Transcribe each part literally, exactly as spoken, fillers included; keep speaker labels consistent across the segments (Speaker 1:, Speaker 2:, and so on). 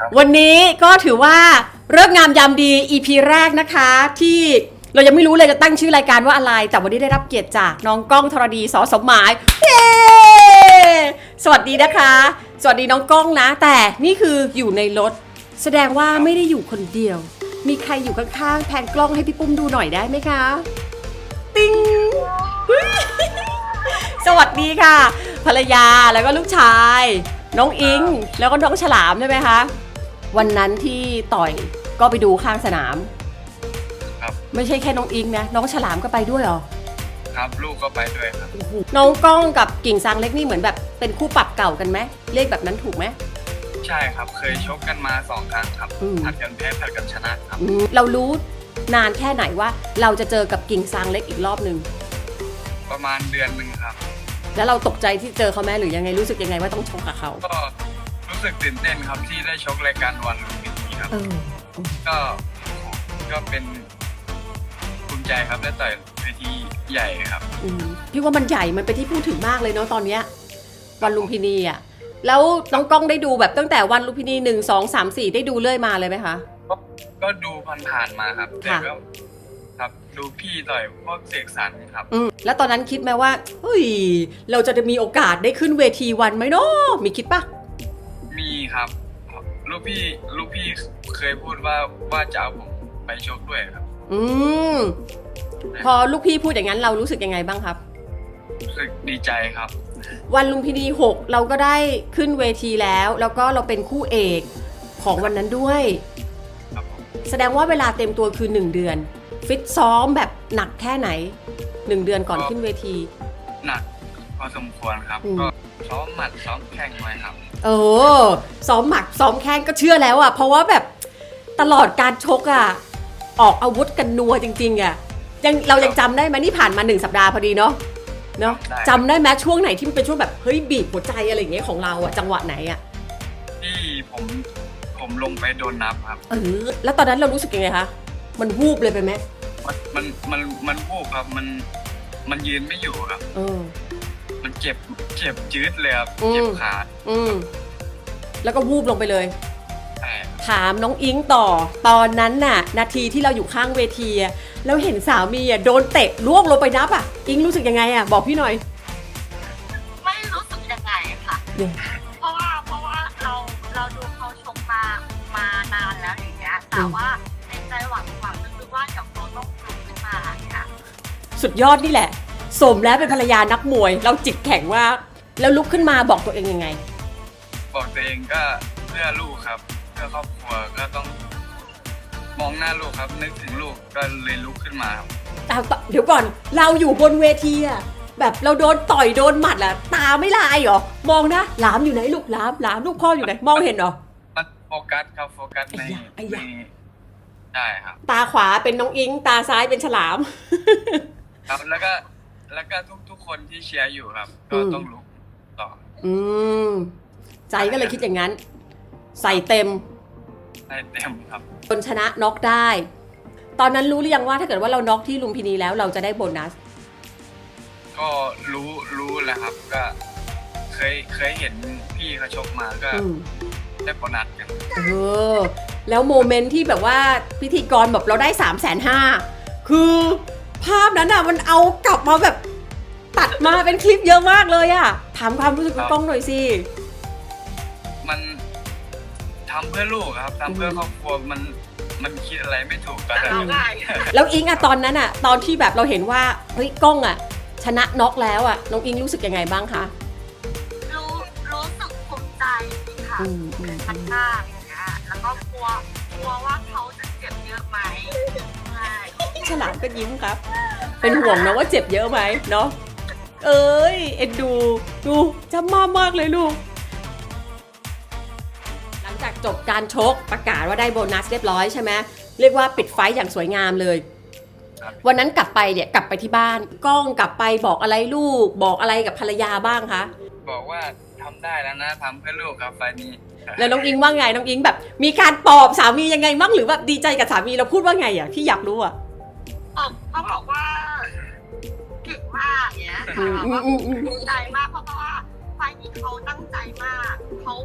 Speaker 1: วันนี้ก็ถือว่าเลิกษ์งามยามดี อี พี แรกนะคะที่เรายังไม่รู้เลยจะตั้งชื่อรายการว่าอะไรแต่วันนี้ได้รับเกียรติจากน้องก้องธรดีสอสมหมายเย้สวัสดีนะคะสวัสดีน้องก้องนะแต่นี่คืออยู่ในรถแสดงว่าไม่ได้อยู่คนเดียวมีใครอยู่ข้างๆแพนกล้องให้พี่ปุ้มดูหน่อยได้ไหมคะติ๊งสวัสดีค่ะภรรยาแล้วก็ลูกชายน้องอิงแล้วก็น้องฉลามใช่ไหมคะวันนั้นที่ต่อยก็ไปดูข้างสนาม
Speaker 2: ครับ
Speaker 1: ไม่ใช่แค่น้องอิงนะน้องฉลามก็ไปด้วยเหรอ
Speaker 2: ครับลูกก็ไปด้วยครับ
Speaker 1: น้องก้องกับกิ่งซางเล็กนี่เหมือนแบบเป็นคู่ปรับเก่ากันไหมเรียกแบบนั้นถูกไหม
Speaker 2: ใช่ครับเคยชกกันมาสองครั้งครับผัดกันแพ้ผัดกันชนะครับ
Speaker 1: เรารู้นานแค่ไหนว่าเราจะเจอกับกิ่งซางเล็กอีกรอบหนึ่ง
Speaker 2: ประมาณเดือนหนึ่งครับ
Speaker 1: แล้วเราตกใจที่เจอเขาไหมหรือยังไงรู้สึกยังไงว่าต้องชกกับเขา
Speaker 2: ก็รู้สึกตื่นเต้นครับที่ได้ชกรายการวันลุมพินีครับก็ก็เป็นภูมิใจครับได้ต่อยเวทีใหญ่ครับ
Speaker 1: พี่ว่ามันใหญ่มันเป็นที่พูดถึงมากเลยเนาะตอนเนี้ยวันลุมพินีอ่ะแล้วน้องก้องได้ดูแบบตั้งแต่วันลุมพินีหนึ่งสองสามสี่ได้ดูเรื่อยมาเลยไหมคะ
Speaker 2: ก็ดูผ่านๆมาครับแต่ก็ครับดูพี่ต่อยพวกเสกสรรครับ
Speaker 1: แล้วตอนนั้นคิดไหมว่าเฮ้ยเราจะมีโอกาสได้ขึ้นเวทีวันไหมเนาะมีคิดปะ
Speaker 2: มีครับลูกพี่ลูกพี่เคยพูดว่าว่าจะเอาผมไปชกด้วยครับ
Speaker 1: อืมพอลูกพี่พูดอย่างนั้นเรารู้สึกยังไงบ้างครับ
Speaker 2: รู้สึกดีใจครับ
Speaker 1: วันลุมพินีหกเราก็ได้ขึ้นเวทีแล้วแล้วก็เราเป็นคู่เอกของวันนั้นด้วยแสดงว่าเวลาเต็มตัวคือหนึ่งเดือนฟิตซ้อมแบบหนักแค่ไหนหนึ่งเดือนก่อนขึ้นเวที
Speaker 2: หนักพอสมควรครับก็ซ้อมหมัดซ้อมแข้งไว้ครับ
Speaker 1: เออซ้อมหมัดซ้อมแข้งก็เชื่อแล้วอ่ะเพราะว่าแบบตลอดการชกอ่ะออกอาวุธกันนัวจริงๆอ่ะยังเรายังจำได้ไหมนี่ผ่านมาหนึ่งสัปดาห์พอดีเนาะเนาะจำได้ไหมช่วงไหนที่มันเป็นช่วงแบบเฮ้ยบีบหัวใจอะไรอย่างเงี้ยของเราอ่ะจังหวะไหนอ่ะ
Speaker 2: ที่ผมผมลงไปโดนนับครับ
Speaker 1: เออแล้วตอนนั้นเรารู้สึกยังไงคะมันวูบเลยไปไหม
Speaker 2: มันมันมันมันวูบครับมันมันยืนไม่อยู่ครับ
Speaker 1: เออ
Speaker 2: มันเจ็บเจ็บจืดเลยครับเจ็บขา
Speaker 1: อืมแล้วก็วูบลงไปเลยถามน้องอิงต่อตอนนั้นน่ะนาทีที่เราอยู่ข้างเวทีแล้วเห็นสามีอ่ะโดนเตะล่วงลงไปนับอ่ะอิงรู้สึกยังไงอ่ะบอกพี่หน่อย
Speaker 3: ไม่รู้สึกยังไงค่ะเพราะว่าเพราะว่าเราเราดูเขาชกมามานานแล้วอย่างเงี้ยแต่ว่าในใจหวังหวังนึกว่าเดี๋ยวเขาต้องลุกขึ้นมาอย่างเงี้ย
Speaker 1: สุดยอดนี่แหละสมแล้วเป็นภรรยานักมวยเราจิตแข็งว่าแล้วลุกขึ้นมาบอกตัวเองยังไง
Speaker 2: บอกตัวเองก็เพื่อลูกครับเพื่อครอบครัวก็ต้องมองหน้าลูกครับนึกถึงลูกก็เลยลุกขึ้นมา
Speaker 1: ครับเดี๋ยวก่อนเราอยู่บนเวทีอะแบบเราโดนต่อยโดนหมัดอะตาไม่ลายเหรอมองนะหลามอยู่ไหนลูกหลามหลามลูกพ่ออยู่ไหนมองเห็นเหรอ
Speaker 2: มันโฟกัสครับโฟกัสในในใช่ครับ
Speaker 1: ตาขวาเป็นน้องอิงตาซ้ายเป็นฉลาม
Speaker 2: ครับแล้วก็แล้วก็ทุกทุกคนที่เชียร์อยู่ครับก็ต้องลุกต่อ
Speaker 1: อืมใจก็เลยคิดอย่างนั้นใส่เต็ม
Speaker 2: ใส่เต็มครับ
Speaker 1: จนชนะน็อกได้ตอนนั้นรู้หรือยังว่าถ้าเกิดว่าเราน็อกที่ลุมพินีแล้วเราจะได้โบนัส
Speaker 2: ก็รู้รู้แล้วครับก็เคยเคยเห็นพี่เขาชกมาก็ได้โบนัสกัน
Speaker 1: เออแล้วโมเมนต์ที่แบบว่าพิธีกรแบบเราได้สามแสนห้าคือภาพนั้นอ่ะมันเอากลับมาแบบตัดมาเป็นคลิปเยอะมากเลยอ่ะถามความรู้สึกคุณก้องหน่อยสิ
Speaker 2: มันทำเพื่อลูกครับทำเพื่อครอบครัวมันมันคิดอะไรไม่ถูกกัน
Speaker 1: แล้วอิงอะตอนนั้นอะตอนที่แบบเราเห็นว่าเฮ้ยก้องอะชนะน็อกแล้วอะน้องอิงรู้สึกยังไงบ้างคะ
Speaker 3: รู้รู้สึกภูมิใจค่ะทันมากอย่างเงี้ยแล้วก็กลัวกลัวว่าเขาจะเจ็บเยอะไหม
Speaker 1: ฉลามก็ยิ้มครับเป็นห่วงนะว่าเจ็บเยอะไหมเนาะเอ้ยเอ็นดูดูจำมากมากเลยลูกหลังจากจบการชกประกาศว่าได้โบนัสเรียบร้อยใช่ไหมเรียกว่าปิดไฟต์อย่างสวยงามเลยวันนั้นกลับไปเนี่ยกลับไปที่บ้านก้องกลับไปบอกอะไรลูกบอกอะไรกับภรรยาบ้างคะ
Speaker 2: บอกว่าทำได้แล้วนะทำเพื่อลูกครับไฟนี้
Speaker 1: แล้วน้องอิงว่าไงน้องอิงแบบมีการปลอบสามียังไงบ้างหรือแบบดีใจกับสามีเราพูดว่าไงอ่ะที่อยากรู้อ่ะ
Speaker 3: เขาบอกว่าเก่งมากเนี้ยค่ะว่าดีใจมากเพราะว่าไฟนี้เขาตั้งใจมากเขาเขา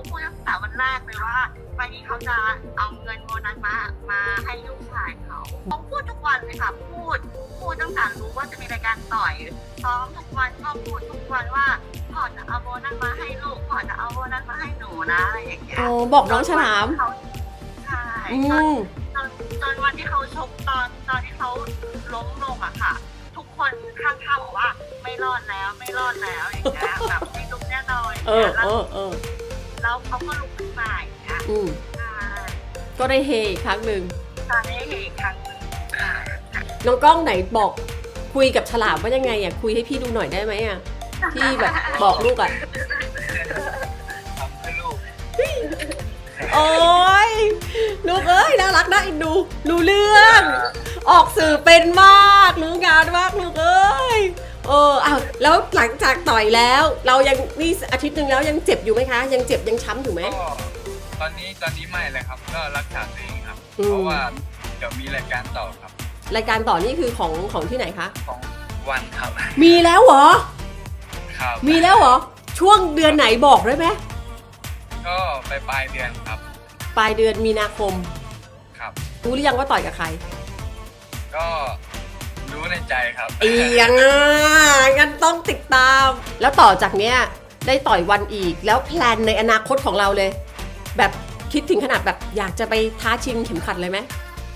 Speaker 3: พูดตั้งแต่วันแรกเลยว่าวันนี้เขาจะเอาเงินโบนัสมามาให้ลูกชายเขาเขาพูดทุกวันเลยค่ะพูดพูดตั้งแต่รู้ว่าจะมีรายการต่อยซ้อมทุกวันก็พูดทุกวันว่าพ่อจะเอาโบนัสมาให้ลูกพ่อจะเอาโบนัสมาให้หนูนะอะไรอย่างเงี้ย
Speaker 1: โอ้บอกน้องฉลาม
Speaker 3: ใช่
Speaker 1: อื
Speaker 3: จน
Speaker 1: ม
Speaker 3: จนจนวันที่เขาชกตอนตอนที่เขาล้มลงอะค่ะ ทุกคนข้างๆบอกว่าไม่รอดแล้วไม่รอดแล้วอย่างเงี้ยแบบไม่ลุกแน่นอน
Speaker 1: เออ
Speaker 3: แล้
Speaker 1: เอ
Speaker 3: ว
Speaker 1: อเออ
Speaker 3: แล้วเขาก็ลุกขึ้นมาอย่างเงี้ย
Speaker 1: อืม
Speaker 3: ใช่
Speaker 1: ก็ได้เฮอีกครั้งหนึ่ง
Speaker 3: ตอนนี้เห็นอีกครั้งหนึ่งใช่
Speaker 1: น้องกล้องไหนบอกคุยกับฉลามว่ายังไงอ่ะคุยให้พี่ดูหน่อยได้ไหมอ่ะพี่แบบบอกลูกอ่ะ
Speaker 2: ทำเพื่อลูก
Speaker 1: โอ้ยลูกเอ้ยน่ารักน่าเอ็นดูรู้เรื่อง ออกสื่อเป็นมากรู้งานมากลูกเอ้ยเอออ้าวแล้วหลังจากต่อยแล้ว เรายังนี่อาทิตย์หนึ่งแล้วยังเจ็บอยู่ไหมคะ ยังเจ็บยังช้ำอยู่ไหม
Speaker 2: ก็ตอนนี้ตอนนี้ไม่เลยครับ ก็รักษาตัวเองครับ
Speaker 1: อืม
Speaker 2: เพราะว่าเดี๋ยวมีรายการต่อครับ
Speaker 1: รายการต่อนี่คือของของที่ไหนคะ
Speaker 2: ของวันครับ
Speaker 1: มีแล้วเหรอ
Speaker 2: ครับ
Speaker 1: มีแล้วเหรอช่วงเดือนไหนบอกได้ไหม
Speaker 2: ก็ไปปลายเดือนครับ
Speaker 1: ปลายเดือนมีนาคม
Speaker 2: ครับ
Speaker 1: รู้หรือยังว่าต่อยกับใคร
Speaker 2: ก็รู้ในใจครับ
Speaker 1: เอียงอ่ะงั้นต้องติดตาม แล้วต่อจากเนี้ยได้ต่อยวันอีกแล้วแพลนในอนาคตของเราเลย แบบคิดถึงขนาดแบบอยากจะไปท้าชิงเข็มขัดเลยไหม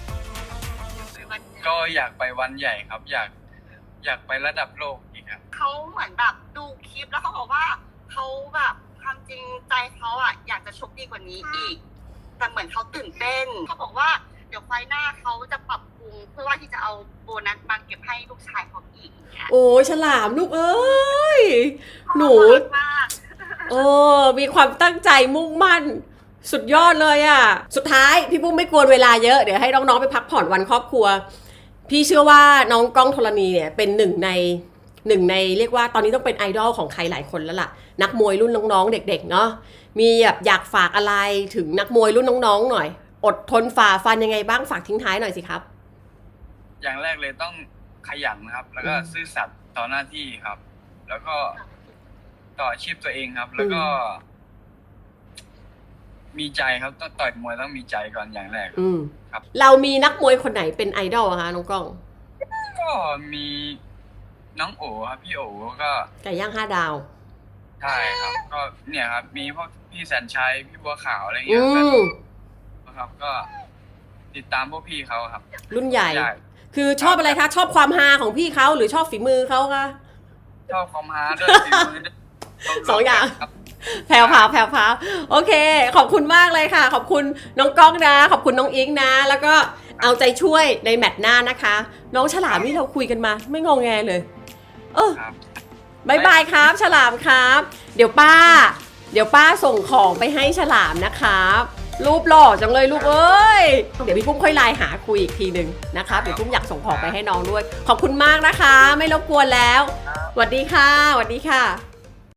Speaker 2: ก็อยากไปวันใหญ่ครับ อยากอยากไประดับโลกอีกครับ
Speaker 3: เขาเหมือนแบบดูคลิปแล้วเขาบอกว่าเขาแบบความจริงใจเขาอะอยากจะชกดีกว่านี้อีก แต่เหมือนเขาตื่นเต้นเขาบอกว่าเดี๋ยวไฟหน้าเขาจะปรับปรุงเพื่อว่าที่จะเอาโบนัสมาเก็บให้ลูกชายเขาอีกอย่างเงี้ย
Speaker 1: โอ้ยฉลามลูกเอ้ยหนู
Speaker 3: น่ารักมาก
Speaker 1: เออมีความตั้งใจมุ่งมั่น สุดยอดเลยอ่ะ สุดท้ายพี่ปุ้มไม่กวนเวลาเยอะเดี๋ยวให้น้องๆไปพักผ่อนวันครอบครัว พี่เชื่อว่าน้องก้องธรณีเนี่ยเป็นหนึ่งในหนึ่งในเรียกว่าตอนนี้ต้องเป็นไอดอลของใครหลายคนแล้วล่ะ นักมวยรุ่นน้องๆเด็กๆเนาะมีแบบอยากฝากอะไรถึงนักมวยรุ่นน้องๆหน่อย อดทนฝ่าฟันยังไงบ้างฝากทิ้งท้ายหน่อยสิครับ
Speaker 2: อย่างแรกเลยต้องขยันครับ แล้วก็
Speaker 1: อืม
Speaker 2: ซื่อสัตย์ต่อหน้าที่ครับ แล้วก็ต่ออาชีพตัวเองครับ แล้วก็ มีใจครับต้องต่อยมวยต้องมีใจก่อนอย่างแรก
Speaker 1: อืม
Speaker 2: ครับ
Speaker 1: เรามีนักมวยคนไหนเป็นไอดอลอะคะน้องก้อง
Speaker 2: ก็มีน้องโอครับพี่โอก็
Speaker 1: ไก่ย่างห้าดาว
Speaker 2: ใช่ครับ ก็เนี่ยครับ มีพวกพี่แสนชัยพี่บัวขาวอะไร
Speaker 1: อื
Speaker 2: เงี้ยครับ
Speaker 1: ม
Speaker 2: ครับ ก็ติดตามพวกพี่เขาครับ
Speaker 1: รุ่นใหญ่
Speaker 2: ใช่
Speaker 1: คือชอบอะไรคะ ชอบความฮาของพี่เขาหรือชอบฝีมือเขาคะ
Speaker 2: ชอบคอมฮาด้วยฝีมือด้วย
Speaker 1: สองอย่าง
Speaker 2: ครับ
Speaker 1: แพรวพราวแพรวพราวโอเค ขอบคุณมากเลยค่ะ ขอบคุณน้องก้องนะ ขอบคุณน้องอิงนะ แล้วก็เอาใจช่วยในแมตช์หน้านะคะ น้องฉลามนี่เราคุยกันมา ไม่งงแงเลย เออ
Speaker 2: ครับ
Speaker 1: บายบายครับ ฉลามครับ เดี๋ยวป้า เดี๋ยวป้าส่งของไปให้ฉลามนะครับรูปหล่อจังเลยลูกเอ้ย เดี๋ยวพี่ปุ้มค่อยไลน์หาคุยอีกทีหนึ่งนะคะเดี๋ยวปุ้มอยากส่งของไปให้น้องด้วย ขอบคุณมากนะคะ ไม่รบกวนแล้วสวัสดีค่ะสวัสดีค่ะ